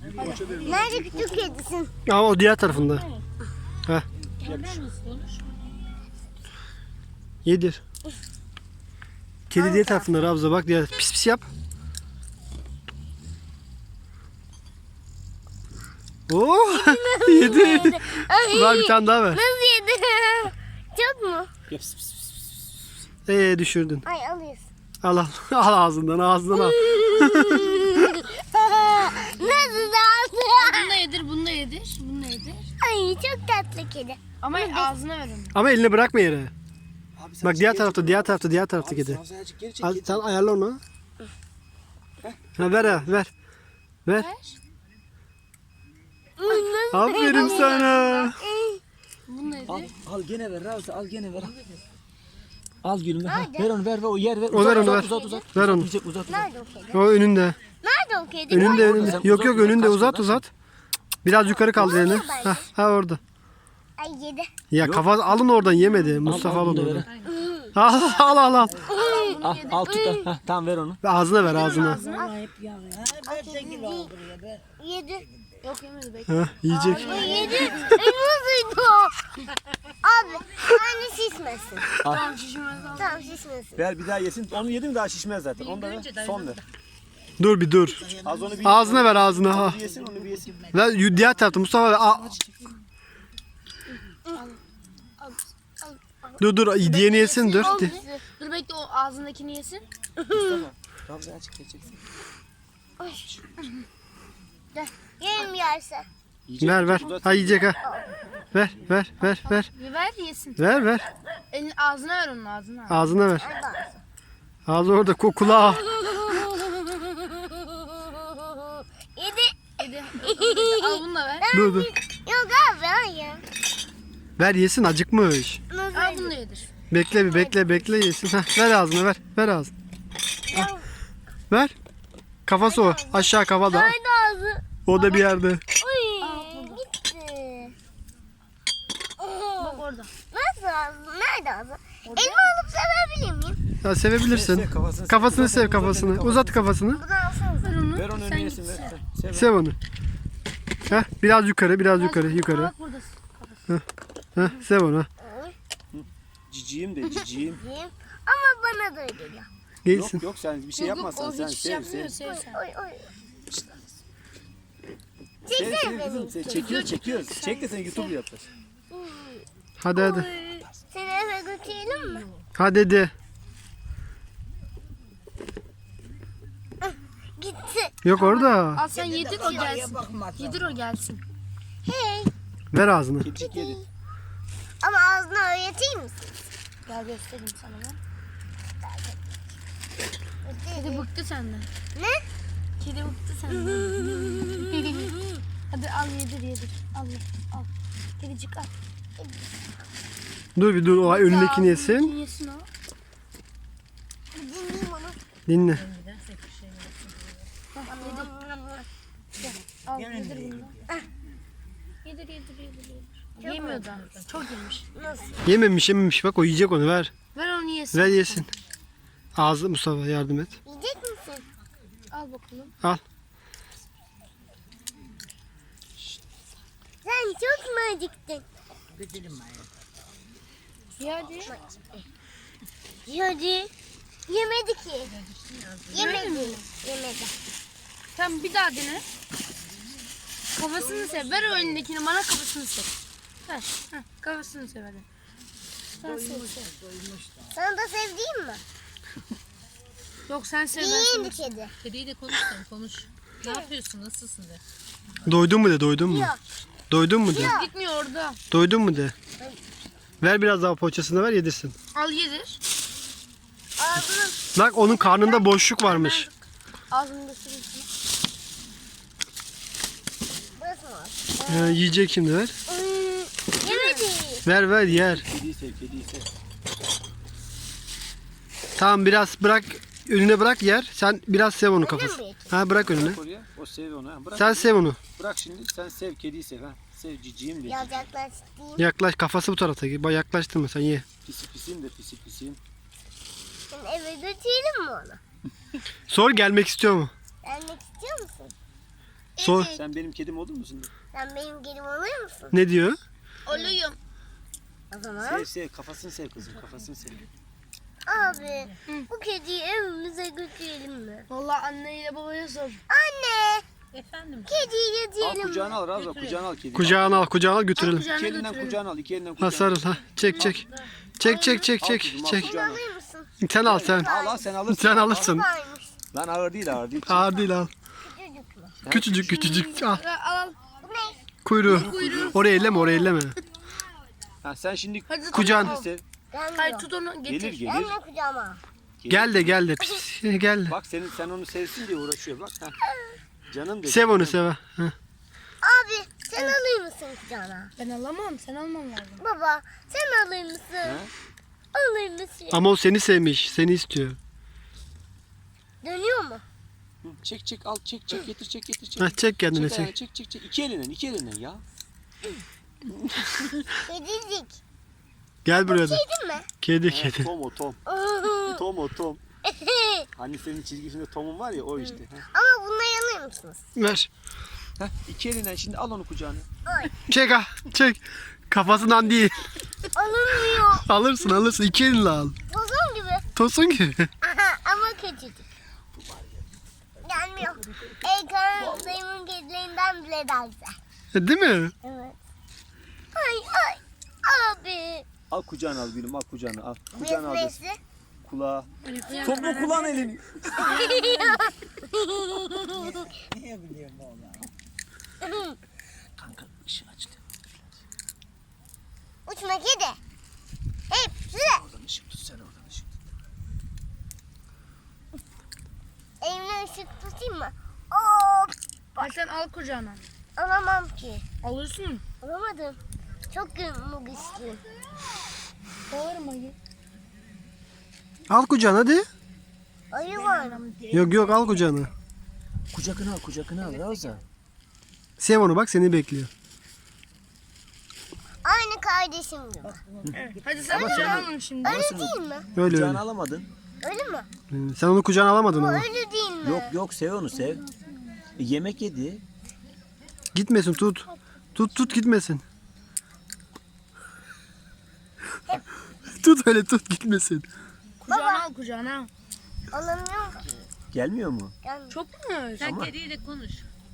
Nerede küçük kedisin? Ama o diğer tarafında. Heh. Yedir. Kedi diğer tarafında Rabza, bak diğer. Pis pis yap. Oo, yedi. Var bir tane daha ver. Nasıl yedi? Çok mu? Düşürdün. Ay alıyorsun. Al al. Al ağzından al. Nasıl da Bunu da yedir, bunu da yedir, bunu da yedir. Ay çok tatlı kedi. Ama ağzına ver onu. Ama elini bırakma yere. Abi sen Bak diğer tarafta, diğer tarafta, diğer tarafta kedi. Sen azıcık geri çek. Al, sen ayarla onu. Ha, ver ha, ver. Ver. Aferin sana. Bunu da yedir. Al gene ver Ravza, al gene ver. Al gülüm ver. Ver onu ver, o yer ver. O ver onu ver. Uzat. Ver onu. Uzat. Nerede o kedi? O önünde. Nerede o kedi? Önünde Ay, önünde. Sen Yok uzat, yok uzat, önünde, kaçma uzat lan. uzat. Biraz yukarı kaldır elini. Ha orada. Ay yedi. Ya kafa alın oradan, yemedi. Mustafa al bunu onu da oradan. ver. Al. Al tut da. Tamam ver onu. Ağzına ver ağzına. Yedi. Yok yemedi bekle. Ha, yiyecek. Ay yedi. Ay nasıldı o? Abi anne şişmesin. Tamam şişmez al. Tamam şişmesin. Ver bir daha yesin. Onu yedim daha şişmez zaten. Onu da ver. Son ver. Dur bir dur. Az onu bir Ağzına ver ağzına. Ha. yesin, onu bir yesin. Ver diğer tarafta Mustafa ver. Dur diğerini yesin dur. Dur bekle o ağzındakini yesin. Ravza açık geçeceksin. Yerim yerse. Ver. Ha yiyecek ha. Ver. Bir ver yesin. Ver. Elini ağzına ver onun ağzına. Ağzına ver. Ağzı orada, kulağı. Yedi. Yedi. Al bunu da ver. Dur. Yok abi hayır. Ver yesin, acıkmış. Al bunu da yedir. Bekle bir bekle yesin. Heh, ver ağzına ver ağzına. Ver. Kafası o. Aşağı kafada. Nerede ağzı? O da bir yerde. Uy gitti. Bak orada. Nasıl ağzı? Nerede ağzı? Elimi alıp sevebilir miyim? Ya sevebilirsin. Kafasını sev kafasını. Uzat kafasını. Bunu alsanıza. Ver onu önüne yesin ver. Sev. Sev onu. Heh, biraz yukarı. Bak buradasın. Heh, sev onu. Ciciyim de ciciyim. Yiyeyim. Ama bana da öyle geliyor. Gelsin. Yok sen bir şey yapmazsan O sen hiç sev yapmıyor sev. sen. Oy oy. Sev Çeksene kızım beni. sen çekiyoruz. Çek de sen YouTube yapar. Hadi. Seni eve götürelim mi? Hadi. Gitti. Yok orada. Al sen yedir o gelsin. Yedir o gelsin. Hey. Ver ağzını. Kedicik yedi. Ama ağzını öğreteyim misin? Gel göstereyim sana ben. Kedi bıktı senden. Ne? Kedi bıktı senden. Hadi al yedir. Al. Kedicik al. Dur o önündekini yesin. Ağzındakini yesin o. Dinleyeyim onu. Dinle. Al yedir bunu. Yedir. Yemiyor da. Çok yemiş. Yememiş bak, o yiyecek onu, ver. Ver onu yesin. Ver yesin. Ağzı Mustafa, yardım et. Yiyecek misin? Al bakalım. Al. Sen çok mu acıktın? Hadi. Hadi. Yemedi ki. Yemedi. Tamam bir daha dene. Kafasını sev. Ver o elindekini bana, kafasını sev. Ver. Heh, kafasını sev hadi. Sen sev. Sana da sevdiğim mi? Yok sen sev ben İyiydi sana. kedi. Kediyle konuş. Ne yapıyorsun? Nasılsın de? Doydun mu de, doydun mu? Yok. Doydun mu de. Gitmiyor orada. Doydun mu de. Ver biraz daha poğaçasını, ver yedirsin. Al yedir. Ağzını Bak onun karnında boşluk varmış. Ağzını göstereyim sana. burası mı? Yiyecek şimdi, ver. Yemedi. Ver yer. Kediyi sev. Tamam biraz bırak, önüne bırak yer. Sen biraz sev onu kafası. bırakayım? Ha bırak önüne. Bırak oraya. O sev onu. Ha. Bırak. Sen sev onu. Bırak şimdi. Sen sev. Kediyi sev. Ha. Sev ciciyim de. Biraz yaklaştırayım. Yaklaş, kafası bu tarafa. Bak yaklaştırma, sen ye. Pisiyim de pisiyim. Şimdi eve götürelim mi onu? Sor, gelmek istiyor mu? Gelmek istiyor musun? Sor. Sen benim kedim olur musun? Sen benim gelim oluyor musun? Ne diyor? Olayım. O zaman Sev sev kafasını sev kızım kafasını sev. abi bu kediyi evimize götürelim mi? Vallahi anneyle babaya sor. Anne Efendim. kediyi Al götürelim mi? kucağına al Ravza kucağına al kediyi. Kucağına al götürelim. İki elinden kucağına al iki elinden Ha kucağına al. sarıl ha. Çek. Çek. Al kızım, al Çek. kucağına. Alır mısın? Sen al sen. Al sen alırsın. Sen alırsın. Varmış. Lan ağır değil ağır değil. Ağır değil al. Küçücük mü? Küçücük al. Al. Bu ne? Kuyruğu. Oraya elleme. Ha, sen şimdi Hadi Kucağın. sev. Hayır Gelmiyor. tut onu Gelir getir. gelir. Gelme kucağıma. Gel de. Pis, gel. Bak sen onu sevsin diye uğraşıyor bak. Ha. Canım dedi. Sev onu sev. Ha. Abi sen alır mısın kucağına? Ben alamam. Sen alman lazım. Baba sen alır mısın? Ha? Alır mısın? Ama o seni sevmiş. Seni istiyor. Dönüyor mu? Hı, çek al çek getir çek. Ha, çek kendine ayağını, çek. çek. İki elinden ya. Kedicik. Gel buraya da. Kedi mi? Kedi. Tom o Tom. Tom. Hani senin çizgisinde Tom'un var ya o işte. Ha. Ama bunları alır mısınız? Ver. Ha, iki elinden şimdi al onu kucağına. Çek ha. Çek. Kafasından değil. Alınmıyor. Alırsın. İki elinle al. Tozun gibi. Tosun gibi. Aha, ama küçücük. Gelmiyor. Eykan'ın dayımın kedilerinden bile daha güzel. Değil mi? Evet. Ay. Abi. Al kucağına al gülüm al kucağına al. Kucağına al. Nesi? Kulağa. Topla kulağın elini. Kanka ışığı açtı. Uçma kedi. Hep süre. Oradan ışık tut sen oradan ışık tut. Elimle ışık tutayım mı? Hop. Ay sen al kucağına. Alamam ki. Alırsın. Alamadım. Çok güçlüyüm. Bağırma git. Al kucağına hadi. Ayı var. Yok al kucağına. Kucağına al Ravza. Sev onu bak seni bekliyor. Aynı kardeşim gibi. Hadi sen kucağına al şimdi. Öyle değil mi? Öyle. Kucağına alamadın. Öyle mi? Sen onu kucağına alamadın ama. Öyle değil mi? Yok sev onu sev. Yemek yedi. Gitmesin tut. Tut gitmesin. Tut öyle tut gitmesin. Kucağına al kucağına. Alamıyorum ki. Gelmiyor mu? Gelmiyor. Çok mu? Sen kediyle konuş.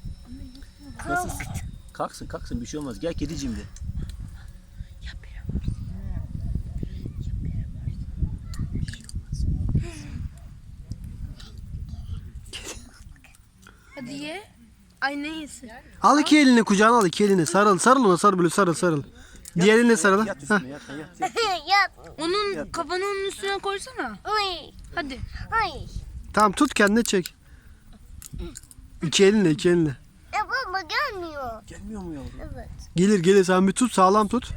Kalksın bir şey olmaz. Gel kedicim de. Hadi ye. Ay ne yesin? Al iki elini kucağına al iki elini. Sarıl ona sarıl böyle sarıl. Diğer eline sarıl. Yat Hah. üstüne yat. Yat. Onun kafanı onun üstüne koysana. Uy. Hadi. Ay. Tamam tut kendine çek. İki elinle. Baba gelmiyor. Gelmiyor mu yavrum? Evet. Gelir sen bir tut sağlam tut.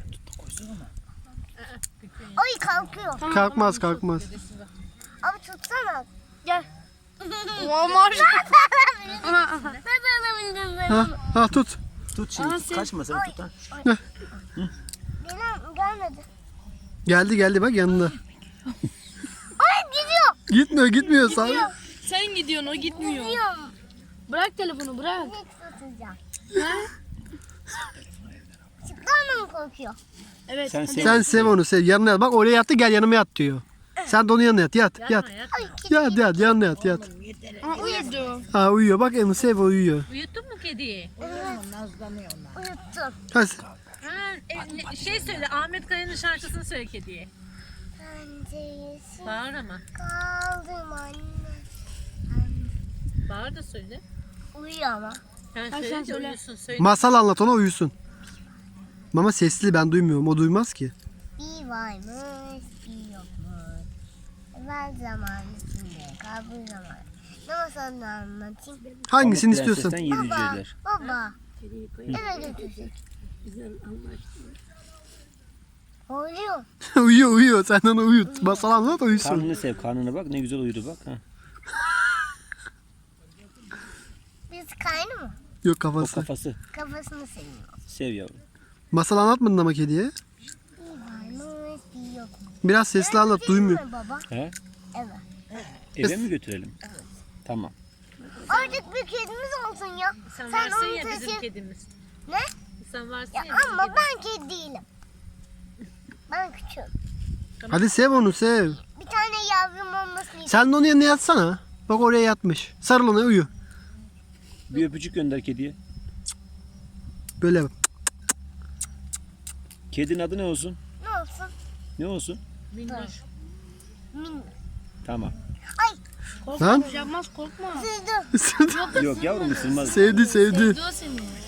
Ay kalkıyor. Kalkmaz. Abi tutsana. Gel. Walmart. Nasıl alabildin ben? Ha tut. Tut şimdi. Aa, sen- Kaçma sen tut ha. Gelmedi. Geldi bak yanına. Ay gidiyor. Gitmiyor sağ. Sen gidiyorsun o gitmiyor. Gidiyorum. Bırak telefonu bırak. Hiç tutacağım. Ha? Çıklarla mı korkuyor? Evet. Sen hadi. sev. Sen sev onu sev. Yanına yat. Bak oraya yattı gel yanıma yat diyor. Sen de onun yanına yat. Yat. Ay kedi Yat yanına yat. Aa, uyudu. Ha uyuyor bak onu sev o uyuyor. Uyuttun mu kediyi? uyuttum. Hadi. Şey söyle Ahmet Kaya'nın şarkısını söyle kediye. Penceresi Bağır ama. kaldım anne. Bağır da söyle. Uyuyor ama. Yani sen söyle de söyle. uyusun söyle. Masal anlat ona uyusun. Ama sesli ben duymuyorum. O duymaz ki. Bir varmış, bir yokmuş. Evvel zaman içinde, kabul zaman. Ne masalını anlatayım? Hangisini istiyorsun? Prensesten 7 Baba, cüceler. baba. Eve götürecek. Oluyor. uyuyor. Sen onu uyut. Masal anlat uyusun. Karnını sev. Karnına bak ne güzel uyudu bak. Ha. Biz kaynı mı? Yok O kafası. kafası. Kafasını seviyor. Sev yavrum. Masal anlatmadın ama kediye. Bir varmış, bir yokmuş. Biraz sesli anlat duymuyor. Değil mi baba? He? Evet. Eve mi götürelim? Tamam. Artık bir kedimiz olsun ya. Sen Sen varsın onu ya bizim taşı- kedimiz. Ne? Sen varsın Ya ya bizim ama kedimiz. ben kedi değilim. Ben küçüğüm. Hadi sev onu sev. Bir tane yavrum olmasını istiyorum. Sen de onun yanına yatsana. Bak oraya yatmış. Sarıl ona uyu. Bir öpücük gönder kediye. Böyle bak. Kedinin adı ne olsun? Ne olsun? Ne olsun? Minnoş. Minnoş. Tamam. Korkma Lan. bir şey yapmaz korkma. Sürdü. Yok yavrum ısırmaz. Sevdi sevdi. Sevdi o seni.